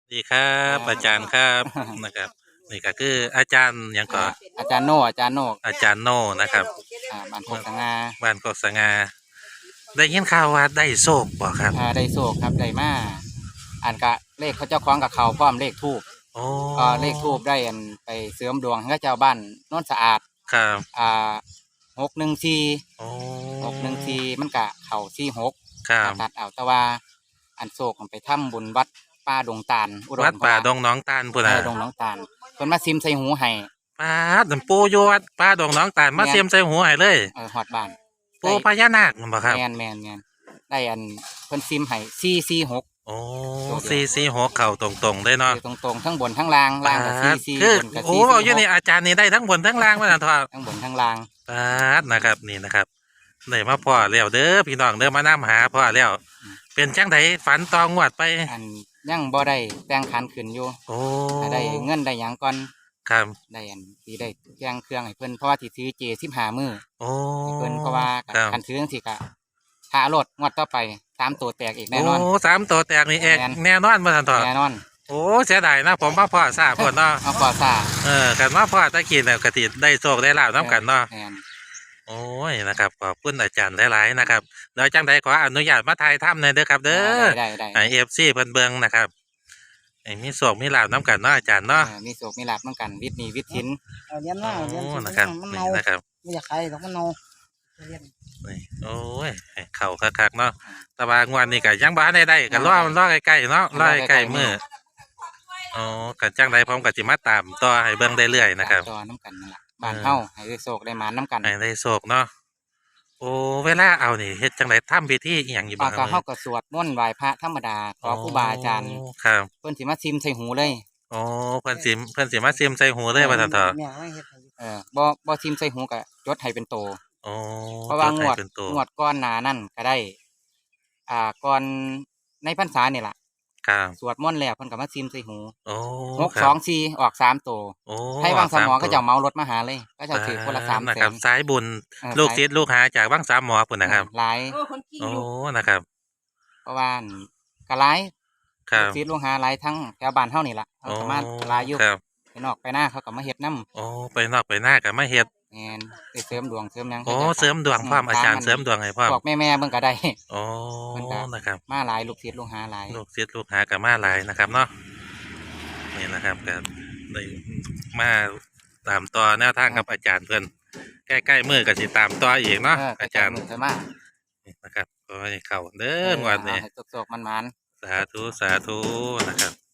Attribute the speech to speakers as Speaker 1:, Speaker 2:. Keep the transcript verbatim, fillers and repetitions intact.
Speaker 1: ดีครับอาจารย์ครับนะครับนี่ก็คืออาจารย์หยัง
Speaker 2: อ่า
Speaker 1: ก่อ
Speaker 2: อาจารย์โน่อาจารย์โน่
Speaker 1: อาจารย์โน่นะครับ
Speaker 2: อ่าบ้านโคกสงา
Speaker 1: บ้านกกสง่าได้ยินข่าวว่าได้โชคบ่ครับ
Speaker 2: อ่าได้โศกครับได้มาอ่านกะเลขเขาเจ้าของกับเขาพร้อมเลขทูบ
Speaker 1: โอ้
Speaker 2: อ่าเลขทูบได้อันไปเสริมดวงให้เจ้าบ้านโนนสะอาด
Speaker 1: ครับ
Speaker 2: อ่าหกหนึ่งสี่
Speaker 1: โอ้
Speaker 2: หกหนึ่งสี่มันกะเข่าสี่หก
Speaker 1: ครับ
Speaker 2: ตัดเอาแต่ว่าอันโศกมันไปถ้ำบุญวัดป้าดงตาลอุด
Speaker 1: วัด
Speaker 2: มพ
Speaker 1: ป่าด
Speaker 2: ระ
Speaker 1: งหน้องตาลพุ่น
Speaker 2: เอ
Speaker 1: น่ะ
Speaker 2: อดงน้องตาลเพิ่นมาซิมใส่หูให้
Speaker 1: ป้าดน้ำปูอยู่วัดป่าดงหน้องตาลมาเสียมใส่หัวให้เลย
Speaker 2: เออฮอดบ้าน
Speaker 1: ปู
Speaker 2: ได้
Speaker 1: พญานาคนั่นบ่ครับ
Speaker 2: แมนแมนแมนได้อันเพิ่นซิมให้สี่สี่หก
Speaker 1: โอ้
Speaker 2: ตัวเดียว
Speaker 1: สี่สี่หกเข่าตรงๆเลยเนาะ
Speaker 2: อยู่ตรงๆทั้งบนทั้งล่างล่างกับซีซี
Speaker 1: คือบ
Speaker 2: นกับ
Speaker 1: โอ้
Speaker 2: ซีซี
Speaker 1: อยู่นี่อาจารย์นี่ได้ทั้งบนทั้งล่างว่าซั่นทอะ
Speaker 2: ทั้งบนทั้งล่าง
Speaker 1: ปาดนะครับนี่นะครับได้มาพ่อแล้วเด้อพี่น้องเด้อมานํหาพ่อแล้ว เป็นจังไดฝันตองวดไป
Speaker 2: อันยังบ่ได้แต่งขันขึ้นอยู่
Speaker 1: โอ้
Speaker 2: ถ้าได้เงินได้หยังก่อน
Speaker 1: ครับ
Speaker 2: ได้อันสิได้แจ้งเครื่องให้เพิ่นเพราะว่าสิซื้อเจสิบห้ามื้อ
Speaker 1: โอ้
Speaker 2: ให้เพิ่นเพราะว่า
Speaker 1: ครับ
Speaker 2: คันซื้อจังซี่ก็ถ้ารถงวดต่อไปสามตัวแตกอีกแน่นอน
Speaker 1: โอ้สามตัวแตกนี่เอก
Speaker 2: แม่น
Speaker 1: แน่นอนมาทันทอะ
Speaker 2: แน่นอน
Speaker 1: โอ้เสียดายนะผมมาพ่อทราบพ่นเนาะ
Speaker 2: เอาก่อซ่า
Speaker 1: เออกันมาพ่อตะกี้เนี่ยกติได้โชคได้ลาบน้ำกันเนาะ
Speaker 2: แม่น
Speaker 1: โอ้ยนะครับขอบคุณอาจารย์หลายๆนะครับเดี๋ยวจังใดขออนุญาตมาถ่ายถ้ำหน่อยเด้อครับเด้อ
Speaker 2: ได้ได้
Speaker 1: ไอ
Speaker 2: ได้
Speaker 1: เอฟซีเพิ่นเบิงนะครับไอ้มีโชคมีลาบน้ำกันเนาะอาจารย์เนาะ
Speaker 2: เออมีโศกมีลาภเหมือนกันวิทย์หนี้วิทย์สิน
Speaker 3: เอาเลี้ยนมาเอาเลี้ยน
Speaker 1: โอ้
Speaker 3: สิ
Speaker 1: นะครับ
Speaker 3: มัน
Speaker 1: นี่
Speaker 3: เน่า
Speaker 1: นะครับ
Speaker 3: ไม่อยากขายหรอกมันเน่าเลี้ยน
Speaker 1: นี่โอ้ยให้เข่าคักๆเนาะแต่ว่างวดนี้ก็ยังบ่ทันได้ได้ก็รอมันรอใกล้ๆเนาะรอใกล้ๆมื้ออ๋อก็จังใดผมก็สิมาตามต่อให้เบิ่งได้เรื่อยนะครับ
Speaker 2: ต่อน้ำกันนั่นล่ะบ้านเฮาให้ได้โศกได้หมานน้ำกัน
Speaker 1: ให้ได้โชคเนาะโอ้เวลาเอานี่เฮ็ดจังไดทำพิธีอีหยังอยู่
Speaker 2: ปา
Speaker 1: บ่
Speaker 2: ก
Speaker 1: ครั
Speaker 2: กา
Speaker 1: บ
Speaker 2: เฮาก็สวดมนต์ไหว้พระธรรมดาขอครูบาอาจารย์
Speaker 1: โครับ
Speaker 2: เพิ่นสิมาซิมใส่หูเลย
Speaker 1: โอ้เพิ่นสิเพิ่นสิมาซิมใส่หูเลยว่าซั่นเถอะ
Speaker 3: แม่ไม่เฮ็ดให้อยู่
Speaker 2: เออบ่บ่ซิมใส่หูก็จดให้เป็นโต
Speaker 1: โอ้
Speaker 2: เพราะว่างวด
Speaker 1: จให้เป็นตัว
Speaker 2: งวดก่อนหน้านั้นก็ได้ อ่าก่อนในพรรษานี่ล่ะ
Speaker 1: ครับ
Speaker 2: สวดมนต์แล้วเพิ่นก็มาซิมใส่หู
Speaker 1: โอ้
Speaker 2: หก
Speaker 1: ครับ
Speaker 2: สองสี่ออกสามโต
Speaker 1: โอ้
Speaker 2: ให้วางสมอ
Speaker 1: ส
Speaker 2: ก็
Speaker 1: ตัว
Speaker 2: จะเหมารถมาหาเลย ก็จะถือคนละสาม
Speaker 1: นะ
Speaker 2: แส
Speaker 1: ครับ
Speaker 2: น
Speaker 1: สายบุญ
Speaker 2: เออ
Speaker 1: ลูก
Speaker 2: สาย
Speaker 1: ศิษย์ลูกหาจากบ้างสามหมอพุ่นนะครับ
Speaker 2: หลาย
Speaker 1: โอ้นะครับ
Speaker 2: เพราะว่าก็หลาย
Speaker 1: ครับ
Speaker 2: ลูกศิษย์ลูกหาหลายทั้งแถวบ้านเฮานี่ล่ะเขา
Speaker 1: โอ้
Speaker 2: ก็มาหลายอยู่
Speaker 1: ครับ
Speaker 2: ไปนอกไปหน้าเขาก็มาเฮ็ดนํ
Speaker 1: โอ้ไปนอกไปหน้าก็มาเฮ็ด
Speaker 2: แม่นไปเสริมดวงเสริมหยัง
Speaker 1: โอ้
Speaker 2: ให้จ้า
Speaker 1: เสริมดวงพร้อมอาจารย์เสริมดวงให้พร้อม
Speaker 2: พวกแม่ๆเบิ่งก็ได้
Speaker 1: โอ้
Speaker 2: เพิ่นก็
Speaker 1: นะครับ
Speaker 2: มาหลายลูกศิษย์ลูกหาหลาย
Speaker 1: ลูกศิษย์ลูกหาก็มาหลายนะครับเนาะนี่นะครับก็ได้มาตามต่อแนวทางกับอาจารย์เพิ่นใกล้ๆมือก็สิตามต่ออีกเนาะ
Speaker 2: เออ
Speaker 1: อาจารย์
Speaker 2: มือเพิ่นมา
Speaker 1: นี่นะครับขอให้เข้าเด้องวดนี้
Speaker 2: ให้ตกๆมันๆ
Speaker 1: สาธุสาธุนะครับ